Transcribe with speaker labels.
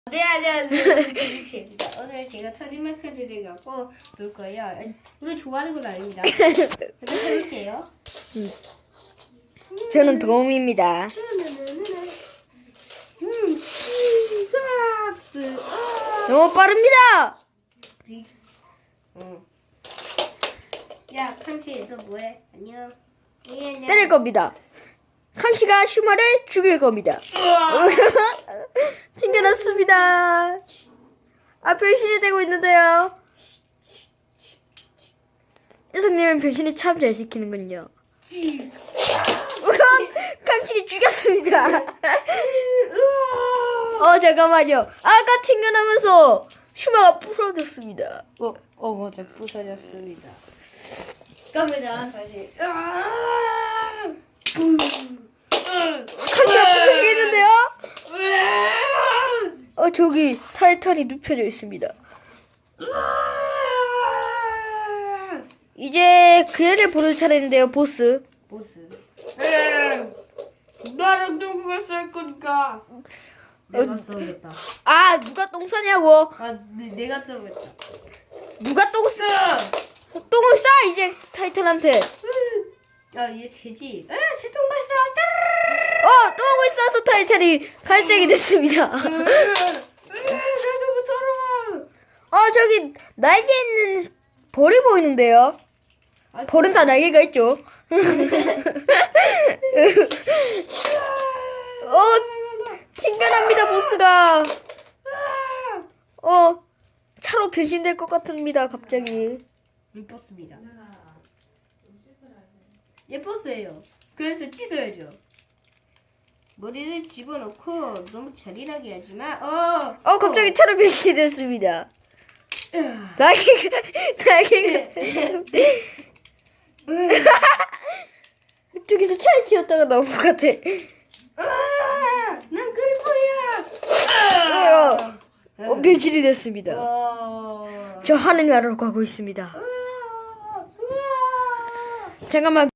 Speaker 1: 네, 안녕하세요. 김치입니다. 오늘 제가 터닝마크를 갖고 놀 거예요. 오늘 좋아하는 건 아닙니다. 그래서 해볼게요.
Speaker 2: 저는 도움입니다. 너무 빠릅니다.
Speaker 1: 야, 칸씨, 너 뭐해? 안녕. 예, 안녕.
Speaker 2: 때릴 겁니다. 캉씨가 슈마를 죽일 겁니다. 튕겨놨습니다. 아, 변신이 되고 있는데요. 녀석님은 변신이 참 잘 시키는군요. 캉씨를 죽였습니다. 잠깐만요. 아까 튕겨나면서 슈마가 부서졌습니다.
Speaker 1: 맞아, 부서졌습니다. 갑니다, 다시.
Speaker 2: 캉씨가 부서지겠는데요? 저기 타이탄이 눕혀져 있습니다. 이제 그 애를 부를 차례인데요, 보스.
Speaker 1: 보스. 나랑 누구가 쌀 거니까. 내가 써야겠다.
Speaker 2: 아, 누가 똥 싸냐고.
Speaker 1: 내가 써야겠다.
Speaker 2: 누가 똥 싸? 똥을 싸, 이제 타이탄한테.
Speaker 1: 야, 얘 새지? 새똥 발사!
Speaker 2: 똥을 싸서 타이탄이 갈색이 됐습니다.
Speaker 1: 나도 더러워!
Speaker 2: 저기 날개 있는 벌이 보이는데요. 벌은 다 날개가 있죠. 튕겨납니다, 보스가. 차로 변신될 것 같습니다, 갑자기.
Speaker 1: 예뻤습니다. 예뻤어요. 그래서 씻어야죠. 머리를 집어넣고 너무 잔인하게 하지만
Speaker 2: 갑자기 차로 변신이 됐습니다. 날개가 저기서 차를 치웠다가 나온 것 같아.
Speaker 1: 난 그리코리야.
Speaker 2: 변신이 됐습니다. 저 하늘나라로 가고 있습니다. 잠깐만.